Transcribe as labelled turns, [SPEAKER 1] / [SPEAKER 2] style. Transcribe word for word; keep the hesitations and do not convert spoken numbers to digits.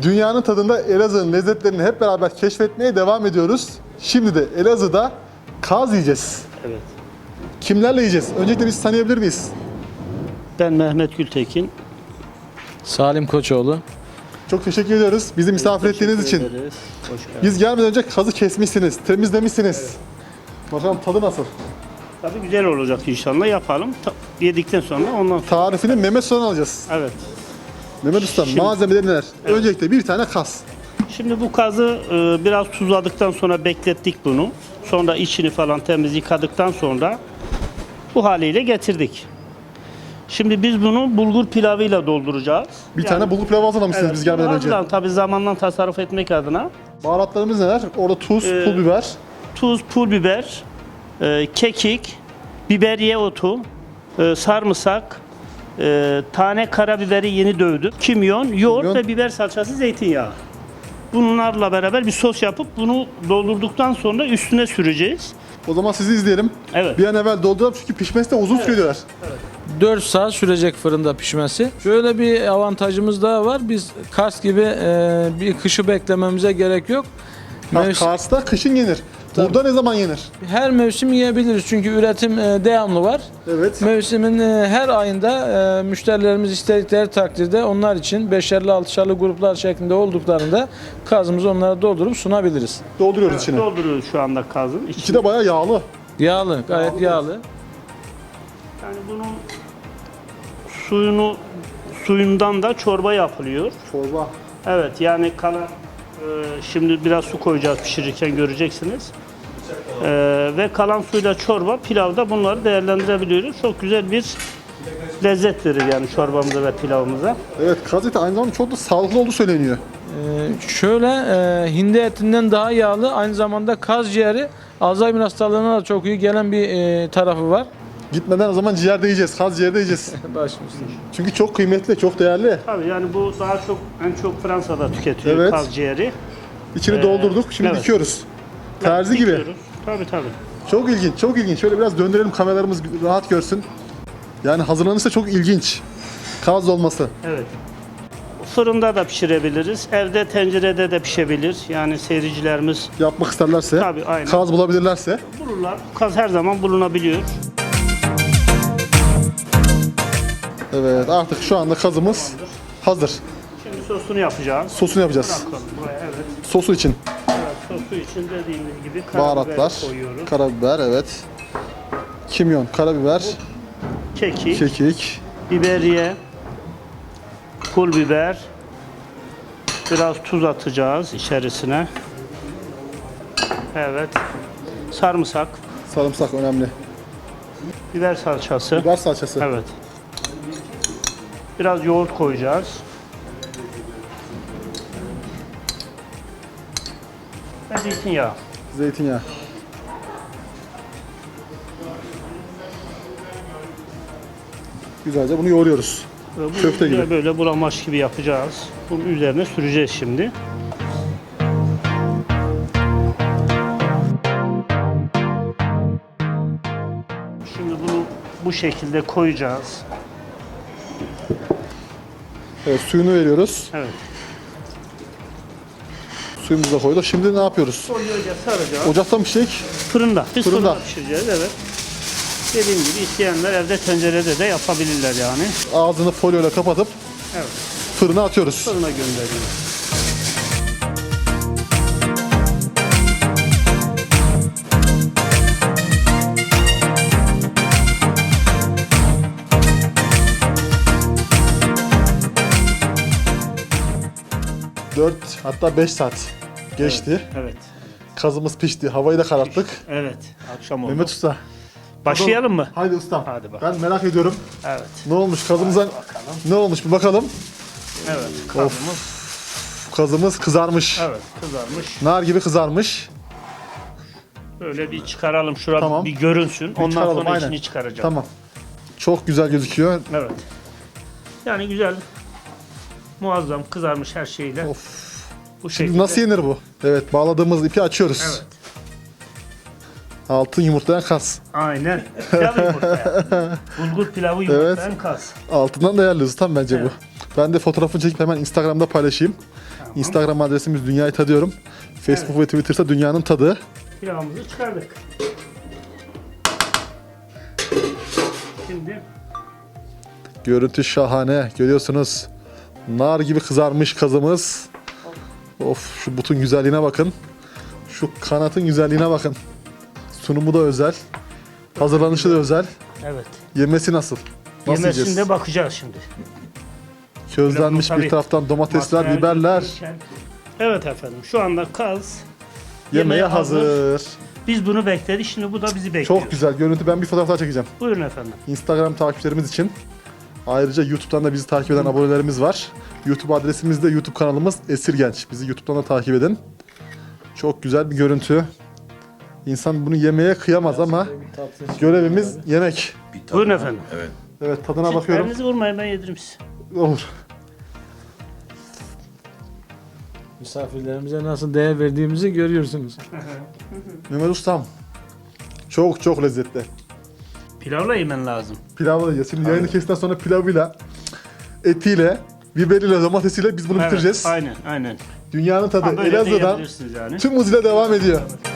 [SPEAKER 1] Dünyanın tadında Elazığ'ın lezzetlerini hep beraber keşfetmeye devam ediyoruz. Şimdi de Elazığ'da kaz yiyeceğiz.
[SPEAKER 2] Evet.
[SPEAKER 1] Kimlerle yiyeceğiz? Öncelikle biz tanıyabilir miyiz?
[SPEAKER 2] Ben Mehmet Gültekin.
[SPEAKER 3] Salim Koçoğlu.
[SPEAKER 1] Çok teşekkür ediyoruz bizi misafir ettiğiniz için.
[SPEAKER 2] Teşekkür ederiz. Hoş geldiniz.
[SPEAKER 1] Biz gelmeden önce kazı kesmişsiniz, temizlemişsiniz. Bakalım tadı nasıl?
[SPEAKER 2] Tabii güzel olacak inşallah, yapalım. Ta- yedikten sonra ondan sonra.
[SPEAKER 1] Tarifini Mehmet Usta'dan alacağız.
[SPEAKER 2] Evet.
[SPEAKER 1] Mehmet Usta,
[SPEAKER 2] Şimdi-
[SPEAKER 1] malzemeleri neler? Öncelikle bir tane kas.
[SPEAKER 2] Şimdi bu kazı e, biraz tuzladıktan sonra beklettik bunu. Sonra içini falan temiz yıkadıktan sonra bu haliyle getirdik. Şimdi biz bunu bulgur pilavıyla dolduracağız.
[SPEAKER 1] Bir tane bulgur pilavı hazırlamışsınız biz gelmeden önce.
[SPEAKER 2] hazırlan- Tabii zamandan tasarruf etmek adına.
[SPEAKER 1] Baharatlarımız neler? Orada tuz,
[SPEAKER 2] Ee,
[SPEAKER 1] pul biber.
[SPEAKER 2] Tuz, pul biber, e, kekik, biberiye otu, e, sarımsak, e, tane karabiberi yeni dövdüm, kimyon, yoğurt
[SPEAKER 1] Kimyon.
[SPEAKER 2] ve biber salçası, zeytinyağı. Bunlarla beraber bir sos yapıp bunu doldurduktan sonra üstüne süreceğiz.
[SPEAKER 1] O zaman sizi izleyelim.
[SPEAKER 2] Evet.
[SPEAKER 1] Bir an evvel dolduralım çünkü pişmesi de uzun sürüyor diyorlar.
[SPEAKER 3] dört saat sürecek fırında pişmesi. Şöyle bir avantajımız daha var. Biz Kars gibi e, bir kışı beklememize gerek yok.
[SPEAKER 1] Bak,
[SPEAKER 3] Mevsim-
[SPEAKER 1] Kars'ta kışın yenir. Burada ne zaman yenir?
[SPEAKER 3] her mevsim yiyebiliriz çünkü üretim e, devamlı var.
[SPEAKER 1] Evet.
[SPEAKER 3] Mevsimin e, her ayında e, müşterilerimiz istedikleri takdirde onlar için beşerli altışarlı gruplar şeklinde olduklarında kazımızı onlara doldurup sunabiliriz.
[SPEAKER 1] Dolduruyoruz içine.
[SPEAKER 2] Dolduruyoruz şu anda kazın içine.
[SPEAKER 1] İçi de bayağı yağlı.
[SPEAKER 3] Yağlı, gayet
[SPEAKER 1] Yağlı.
[SPEAKER 3] yağlı.
[SPEAKER 2] Yani bunun suyunu suyundan da çorba yapılıyor.
[SPEAKER 1] Çorba.
[SPEAKER 2] Evet, yani kalan e, şimdi biraz su koyacağız pişirirken, göreceksiniz. E, ve kalan suyla çorba, pilavda bunları değerlendirebiliyoruz. Çok güzel bir lezzet verir yani çorbamıza ve pilavımıza.
[SPEAKER 1] Evet, kaz eti aynı zamanda çok da sağlıklı olduğu söyleniyor.
[SPEAKER 3] Ee, şöyle e, hindi etinden daha yağlı, aynı zamanda kaz ciğeri Alzheimer hastalığına da çok iyi gelen bir e, tarafı var.
[SPEAKER 1] Gitmeden o zaman ciğer de yiyeceğiz, kaz ciğeri de yiyeceğiz.
[SPEAKER 3] Başımızda.
[SPEAKER 1] Çünkü çok kıymetli, çok değerli.
[SPEAKER 2] Tabii yani bu daha çok, en çok Fransa'da tüketiyor
[SPEAKER 1] Evet.
[SPEAKER 2] kaz ciğeri.
[SPEAKER 1] İçini
[SPEAKER 2] Ee,
[SPEAKER 1] doldurduk, şimdi
[SPEAKER 2] evet.
[SPEAKER 1] dikiyoruz. Terzi gibi.
[SPEAKER 2] Dikiyoruz. Tabii tabii.
[SPEAKER 1] Çok ilginç, çok ilginç. Şöyle biraz döndürelim, kameralarımız rahat görsün. Yani hazırlanırsa çok ilginç. Kaz olması.
[SPEAKER 2] Evet. Fırında da pişirebiliriz. Evde tencerede de pişebilir. Yani seyircilerimiz
[SPEAKER 1] Yapmak isterlerse,
[SPEAKER 2] Tabii, aynen.
[SPEAKER 1] kaz bulabilirlerse.
[SPEAKER 2] bulurlar. Kaz her zaman bulunabiliyor.
[SPEAKER 1] Evet, artık şu anda kazımız hazır.
[SPEAKER 2] Şimdi sosunu yapacağız.
[SPEAKER 1] Sosunu yapacağız.
[SPEAKER 2] Bırakalım buraya, evet.
[SPEAKER 1] Sosu için
[SPEAKER 2] Evet, sosu için dediğimiz gibi karabiber
[SPEAKER 1] baharatlar,
[SPEAKER 2] koyuyoruz.
[SPEAKER 1] karabiber, evet. Kimyon, karabiber,
[SPEAKER 2] Kekik,
[SPEAKER 1] kekik,
[SPEAKER 2] biberiye, pul biber, biraz tuz atacağız içerisine. Evet. Sarımsak,
[SPEAKER 1] sarımsak önemli.
[SPEAKER 2] biber salçası.
[SPEAKER 1] Biber salçası.
[SPEAKER 2] Evet. Biraz yoğurt koyacağız. Ve zeytinyağı.
[SPEAKER 1] Zeytinyağı. Güzelce bunu yoğuruyoruz.
[SPEAKER 2] Ve bu
[SPEAKER 1] Köfte gibi.
[SPEAKER 2] Böyle bulamaç gibi yapacağız. Bunun üzerine süreceğiz şimdi. Şimdi bunu bu şekilde koyacağız.
[SPEAKER 1] Evet, suyunu veriyoruz.
[SPEAKER 2] Evet.
[SPEAKER 1] Suyumuzu da koyduk. Şimdi ne yapıyoruz?
[SPEAKER 2] Folyoyla saracağız.
[SPEAKER 1] Ocakta mı pişecek?
[SPEAKER 2] Fırında. Biz
[SPEAKER 1] Fırında.
[SPEAKER 2] fırında pişireceğiz, evet. Dediğim gibi isteyenler evde tencerede de yapabilirler yani.
[SPEAKER 1] Ağzını folyoyla kapatıp
[SPEAKER 2] Evet.
[SPEAKER 1] fırına atıyoruz.
[SPEAKER 2] Fırına gönderiyoruz.
[SPEAKER 1] dört hatta beş saat geçti.
[SPEAKER 2] Evet.
[SPEAKER 1] Kazımız pişti. Havayı da kararttık.
[SPEAKER 2] Evet. Akşam oldu.
[SPEAKER 1] Mehmet Usta.
[SPEAKER 2] Başlayalım mı?
[SPEAKER 1] Haydi ustam.
[SPEAKER 2] Hadi bakalım.
[SPEAKER 1] Ben merak ediyorum.
[SPEAKER 2] Evet.
[SPEAKER 1] Ne olmuş kazımıza? Ne olmuş bir bakalım.
[SPEAKER 2] Evet. Kazımız.
[SPEAKER 1] Kazımız kızarmış.
[SPEAKER 2] Evet. Kızarmış.
[SPEAKER 1] Nar gibi kızarmış.
[SPEAKER 2] Böyle bir çıkaralım. Şurada
[SPEAKER 1] Tamam.
[SPEAKER 2] bir görünsün. Ondan
[SPEAKER 1] çıkaralım,
[SPEAKER 2] sonra
[SPEAKER 1] aynen.
[SPEAKER 2] içini çıkaracağım.
[SPEAKER 1] Tamam. Çok güzel gözüküyor.
[SPEAKER 2] Evet. Yani güzel. Muazzam kızarmış her şeyle.
[SPEAKER 1] Of.
[SPEAKER 2] Bu
[SPEAKER 1] Şimdi
[SPEAKER 2] şekilde.
[SPEAKER 1] nasıl yenir bu? Evet, bağladığımız ipi açıyoruz.
[SPEAKER 2] Evet.
[SPEAKER 1] Altın yumurtlayan kas.
[SPEAKER 2] Aynen. Pilav yumurtlayan. Bulgur pilavı yumurtlayan kas.
[SPEAKER 1] Altından değerli ustam bence bu. Ben de fotoğrafını çekip hemen Instagram'da paylaşayım.
[SPEAKER 2] Tamam.
[SPEAKER 1] Instagram adresimiz Dünyayı Tadıyorum. Facebook ve Twitter'sa Dünyanın Tadı.
[SPEAKER 2] Pilavımızı çıkardık. Şimdi
[SPEAKER 1] Görüntü şahane. Görüyorsunuz. Nar gibi kızarmış kazımız. Of, şu butun güzelliğine bakın. Şu kanatın güzelliğine bakın. Sunumu da özel. Hazırlanışı da özel.
[SPEAKER 2] evet.
[SPEAKER 1] Yemesi nasıl? Nasıl
[SPEAKER 2] Yemesinde
[SPEAKER 1] yiyeceğiz?
[SPEAKER 2] bakacağız şimdi.
[SPEAKER 1] Közlenmiş
[SPEAKER 2] Tabii.
[SPEAKER 1] bir taraftan domatesler,
[SPEAKER 2] Materyal
[SPEAKER 1] biberler.
[SPEAKER 2] götürürken- Evet efendim. Şu anda kaz
[SPEAKER 1] Yemeğe
[SPEAKER 2] yemeğe hazır.
[SPEAKER 1] hazır.
[SPEAKER 2] Biz bunu bekledik. Şimdi bu da bizi bekliyor.
[SPEAKER 1] Çok güzel görüntü. Ben bir fotoğraf daha çekeceğim.
[SPEAKER 2] Buyurun efendim.
[SPEAKER 1] Instagram takipçilerimiz için. Ayrıca YouTube'dan da bizi takip eden abonelerimiz var. YouTube adresimiz de YouTube kanalımız Esirgenç. Bizi YouTube'dan da takip edin. Çok güzel bir görüntü. İnsan bunu yemeye kıyamaz ama görevimiz yemek.
[SPEAKER 4] Bir tadına-
[SPEAKER 2] Buyurun efendim.
[SPEAKER 4] Evet.
[SPEAKER 1] Evet, tadına
[SPEAKER 2] Siz
[SPEAKER 1] bakıyorum.
[SPEAKER 2] elinizi vurmayın, ben yedirim size.
[SPEAKER 1] Olur.
[SPEAKER 3] Misafirlerimize nasıl değer verdiğimizi görüyorsunuz.
[SPEAKER 1] Mehmet Ustam. Çok çok lezzetli.
[SPEAKER 2] Pilavla yemen lazım.
[SPEAKER 1] Pilavla da yiyeceğiz. Şimdi yayını kestikten sonra pilavıyla, etiyle, biberiyle, domatesiyle biz bunu bitireceğiz.
[SPEAKER 2] Aynen, aynen.
[SPEAKER 1] Dünyanın tadı
[SPEAKER 2] Ha, böyle de
[SPEAKER 1] Elazığ'dan
[SPEAKER 2] yiyebilirsiniz yani.
[SPEAKER 1] tüm hızıyla devam ediyor.